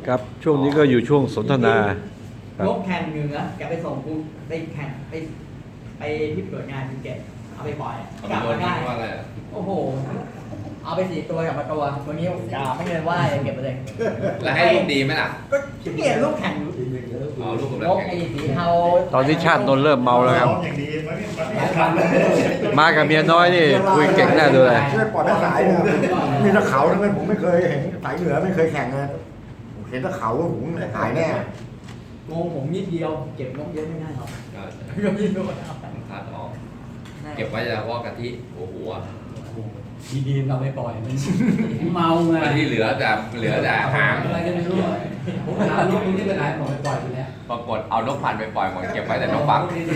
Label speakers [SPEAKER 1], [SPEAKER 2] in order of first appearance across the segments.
[SPEAKER 1] ครับช่วงนี้ก็อยู่ช่วงสนทนาครับ
[SPEAKER 2] นกแข่งเหนือแกไปส่งกูไปแข่งไปที่เปิดงานภูเก็ตเอาไปปล่อย
[SPEAKER 3] เอา
[SPEAKER 2] กลับ
[SPEAKER 3] ไป
[SPEAKER 2] มาได้
[SPEAKER 3] ว่าอะไรอะ
[SPEAKER 2] โอ้โห เอาไป4 ตัวกลับมาตัวนี้กาไม่เลยว่าเก็บไปเลย
[SPEAKER 3] แล้วให้ลูกดีไหมล่ะ
[SPEAKER 2] ก็เปลี่ยนลูกแข่ง
[SPEAKER 3] เอาลูกกับ
[SPEAKER 2] น
[SPEAKER 3] แล้ว
[SPEAKER 2] ก
[SPEAKER 3] แข่ง
[SPEAKER 2] ไอ้สีเทา
[SPEAKER 1] ตอนนี้ชาตินนท์เริ่มเมาแล้วครับ
[SPEAKER 4] อย่างดีไม่ทันเลย
[SPEAKER 1] มากับเมียน้อยนี่คุยเก่งแน่ดูเลย
[SPEAKER 5] ช่วยปล่อยแม่สายเนี่ยมีตะเขาทั้งนั้นผมไม่เคยเห็นสายเหนือไม่เคยแข่งเลยผมเห็นตะเขาว่าผมหายแน่
[SPEAKER 2] โงผมนิดเดียวเก็บนกเยอะไม่ได้หรอก
[SPEAKER 3] ก็
[SPEAKER 2] ก็มีนกเอา
[SPEAKER 3] คัดออก เก็บไว้เฉพาะกะทิหัวหัว
[SPEAKER 6] ดีๆเราไม่ปล่อยมันเมาไง
[SPEAKER 3] กะทิเหลือแต่หาง
[SPEAKER 6] อะไรก็ไม่รู้ผมถามลูกมึงที่ไปไหนผมไปปล่อยไปแล้ว
[SPEAKER 3] ปรากฏเอานกพันธุ์ไปปล่อยหมดเก็บไว้แต่นกฟัก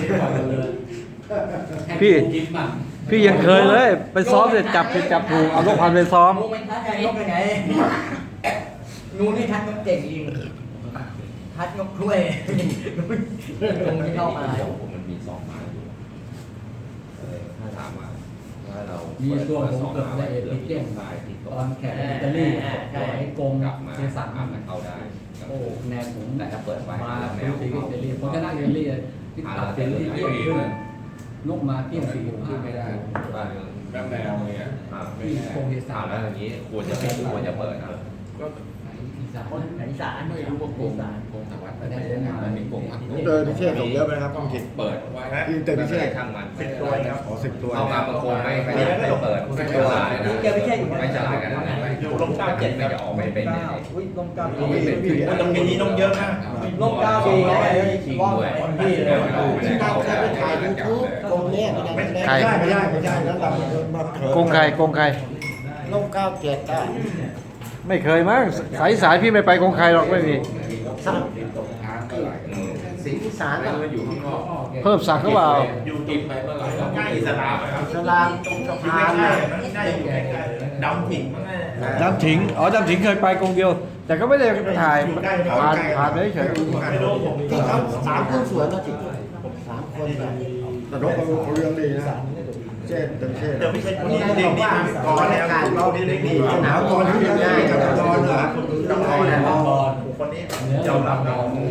[SPEAKER 1] พี่
[SPEAKER 6] กินมั่ง
[SPEAKER 1] พี่ยังเคยเลยไปซ้อมเสร็จจับผิดจับถูกเอาลูกพันธุ์ไปซ้อม
[SPEAKER 2] งูมันทัดไงนกยังไงงูนี่ทัดนกเก่งจริงทัดนกถ้วยงูที่เข้ามา
[SPEAKER 3] ผมมันมี2 ไม้อยู่ถ้าถามว่าเรา
[SPEAKER 6] มีตัวผมเกิดได้เอพิเกน
[SPEAKER 3] ได้ที่
[SPEAKER 6] ตอนแข่งอิตาลีปล่อยให้กง
[SPEAKER 3] กลับมา
[SPEAKER 6] เจสัน
[SPEAKER 3] มันเข้าได้
[SPEAKER 6] โอ้แนวผม
[SPEAKER 3] แต่ถ้าเปิดไว้
[SPEAKER 6] มา
[SPEAKER 3] แน
[SPEAKER 6] ดู
[SPEAKER 3] ว
[SPEAKER 6] สีอิตาลีผมชนะอิตาลีที่ตัดเซนที่เที่ยงขึ้นนกมาเที่ยง45ไม่ได้
[SPEAKER 3] บ้าน
[SPEAKER 4] แบบแนวเนี่ย
[SPEAKER 6] ที่กงเจสั
[SPEAKER 3] ถาม
[SPEAKER 6] น
[SPEAKER 3] แล้วอย่างนี้ควรจะเปิดนะ
[SPEAKER 6] อีสาน
[SPEAKER 2] คนไหนสารไม่รู้ว่าโกงสาร
[SPEAKER 3] กงสวัสดิ์ไม่ได้เลยนะมันมีกงพัก
[SPEAKER 5] ผมเจอพิเชษส่งเยอะไหมนะครับต้องคิด
[SPEAKER 3] เปิดไว้
[SPEAKER 5] อินเตอร์พิเชษ
[SPEAKER 3] ช่างมัน
[SPEAKER 4] 10 ตัวครับ
[SPEAKER 5] ขอ10 ตัว
[SPEAKER 3] เอามาบางคนไม่เปิดไม่ฉลาดนะไม่ฉลาดกันนะไม่จะออกไม่เป็น
[SPEAKER 2] อุ้ยลงเก้า
[SPEAKER 4] ตรงนี้ต้องเยอะมาก
[SPEAKER 2] ลงเก้าปีนะว่าพี่เลย
[SPEAKER 5] กงเนี่ย
[SPEAKER 1] ใคร
[SPEAKER 5] ไม่ได้แล้วเรามาเถิด
[SPEAKER 1] โกงใครโกงใคร
[SPEAKER 5] ลง97ได้
[SPEAKER 1] ไม่เคยมั้งสายพี่ไม่ไปโกงใครหรอกไม่มี
[SPEAKER 5] สิงห์อีสานอะ
[SPEAKER 3] อยู่ข้างนอก
[SPEAKER 1] เพิ่มศักดิ์เขาเปล่า
[SPEAKER 4] อยู่ตรงไปเมื่อไหร่ใกล้อิสลามครับ
[SPEAKER 5] สลามตรงสะ
[SPEAKER 4] อยู่
[SPEAKER 5] พาน
[SPEAKER 4] ใกล้
[SPEAKER 5] น่ะ
[SPEAKER 4] ๆมันได้อยู่ใกล้ๆดำผิงมั้งแม่
[SPEAKER 1] ดำถิงดำถิงเคยไปกงเดียว แต่ก็ไม่ได้ไปถ่ายผ่านไปเฉย
[SPEAKER 4] ไม่รู้ผม
[SPEAKER 5] ที่เขา3 คนสวนนะจิ3 คนแบบแต่นกเขาเลี้ยงดีนะเช่นเต็มเช่น
[SPEAKER 4] เดี๋ยวไม่ใช่คนนี้เด็กดีก่อนแล้วเราเด็กดี
[SPEAKER 5] หนาวตอนที่เลี้ยงง่ายกับตอนเหรอ
[SPEAKER 4] ต้องรอนะคนนี้ยอมรับนะ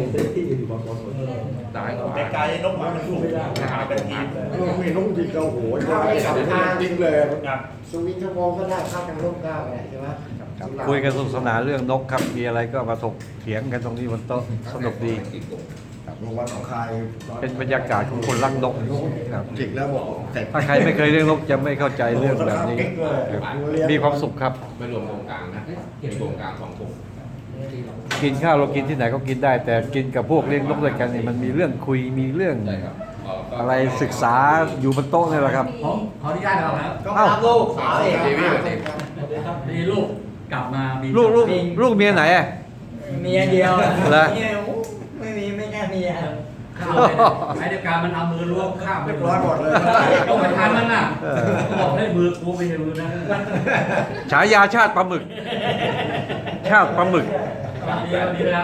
[SPEAKER 3] ตายกว่า
[SPEAKER 4] ไกลๆนกมันถูกหาเป็นทีม
[SPEAKER 5] มีนุ่งจริงก็โหสับทางจริงเลย
[SPEAKER 4] ครับ
[SPEAKER 5] สวิตช์ชั่วโมงก็ได้เข้ากันร่มเก้าใช่ไหม
[SPEAKER 1] คุยกันสนุกสนานเรื่องนกครับมีอะไรก็มาถกเถียงกันตรงนี้บนโต๊ะสนุกดี
[SPEAKER 5] โรงวันของใคร
[SPEAKER 1] เป็นบรรยากาศของคนรักนกครับ
[SPEAKER 5] จิกแล้วบอกเสร็จ
[SPEAKER 1] ถ้าใครไม่เคยเลี้ยงนกจะไม่เข้าใจเรื่องแบบนี้ครับมีความสุขครับ
[SPEAKER 3] ไม่รวมโครงกลางนะมีโครงกลาง2 กลุ่ม
[SPEAKER 1] กินข้าวเรากินที่ไหนก็กินได้ แต่กินกับพวกเลี้ยงนกด้วยกันเนี่ยมันมีเรื่องคุยมีเรื่อง
[SPEAKER 3] ใช่ครับ
[SPEAKER 1] อะไรศึกษาอยู่บนโต๊ะนี่แหละครับ
[SPEAKER 6] ผมขออนุญาตเราครับ
[SPEAKER 2] ก็รับลูกสาวเอง
[SPEAKER 3] ทีวีแบบนี้
[SPEAKER 6] มีลูกกลับมามี
[SPEAKER 1] ลูกเมียไหนอ่ะ
[SPEAKER 2] เมียเดียว
[SPEAKER 1] เหรอ
[SPEAKER 2] ไม่มีไม่แค่เมีย
[SPEAKER 6] ข้าวไอ้เดียวกันมันเอามือล้วงข้าม
[SPEAKER 5] เรียบร้อยหมดเลย
[SPEAKER 6] ต้องไปทานมันน่ะบอกให้มือกูไม่ใช่มือนะ
[SPEAKER 1] ฉายาชาติปลาหมึก ชาติปลาหมึก
[SPEAKER 6] ดีนะครับ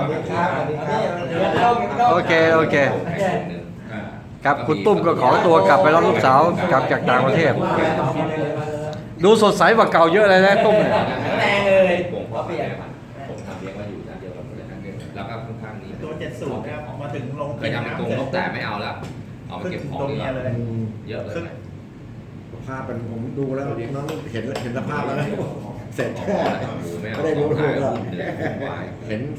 [SPEAKER 1] โอเคโอเค ครับคุณตุ้มก็ขอตัวกลับไปรับลูกสาวกลับจากต่างประเทศ ดูสดใสกว่าเก่าเยอะเลยนะตุ้มเนี่ย
[SPEAKER 2] แรงเลย
[SPEAKER 3] ผมพ่อแม่ผมทำเลี้ยงมาอยู่ด้านเดียวกับด้านเดียวแล้วก็ข้างๆนี้
[SPEAKER 4] ตัว70ครับมาถึงลง
[SPEAKER 3] เคยทำเป็นกรงนกแต่ไม่เอาแล้วเอามาเก็บของ
[SPEAKER 4] ตัว
[SPEAKER 3] ดีก
[SPEAKER 4] เมีย
[SPEAKER 3] ว่า
[SPEAKER 4] เลย
[SPEAKER 3] เยอะเลย
[SPEAKER 5] ภาพเป็นผมดูแล้วน้องเห็นสภาพแล้วนะเสร็จแค่
[SPEAKER 3] หมูไม่เอา
[SPEAKER 5] ไม่ได้รู้
[SPEAKER 3] ข
[SPEAKER 5] ถู
[SPEAKER 3] อง
[SPEAKER 5] กหรอก
[SPEAKER 3] ขาย
[SPEAKER 5] เห็น